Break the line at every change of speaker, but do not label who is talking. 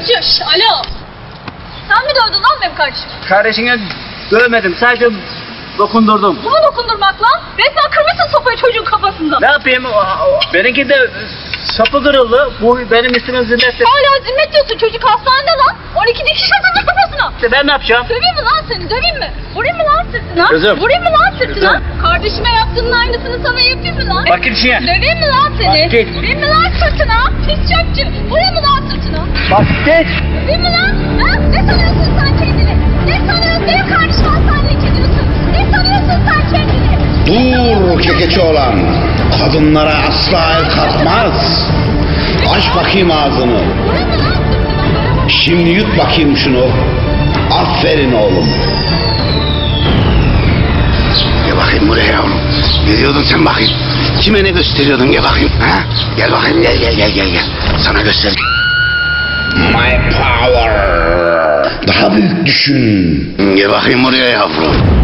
Pislikçi. Şş, alo. Sen mi dövdün lan benim kardeşimi?
Kardeşine dövmedim, sadece dokundurdum.
Bu mu dokundurmak lan? Resmen kırmışsın sopayı çocuğun kafasından.
Ne yapayım? Benimki de sapı kırıldı. Bu benim üstüme zimmet.
Hala zimmet diyorsun, çocuk hastanede lan. 12 dikiş atıldı kafasına.
Ben ne yapacağım?
Döveyim mi lan seni, döveyim mi? Vurayım mı lan sırtına?
Kızım.
Vurayım mı lan sırtına?
Kızım.
Kardeşime yaptığının aynısını sana yapayım mı lan?
Bak git işine.
Döveyim mi lan seni?
Bak git.
Vurayım mı lan sırtına? Pis çöpçü. Vurayım mı lan sırtına?
Bak geç.
Döveyim mi lan? Ha? Ne sanıyorsun sen kendini? Ne sanıyorsun? Benim kardeşim hastanelik ediyorsun. Ne sanıyorsun sen kendini?
Dur kekeçi olan. Kadınlara asla el kalkmaz. Aç bakayım ağzını.
Vurayım mı lan sırtına?
Şimdi yut bakayım şunu. Aferin oğlum. Gel bakayım buraya yavrum. Ne diyordun sen bakayım? Kime ne gösteriyordun gel bakayım. Ha? Gel bakayım gel. Sana göster. My power. Daha büyük düşün. Gel bakayım buraya yavrum.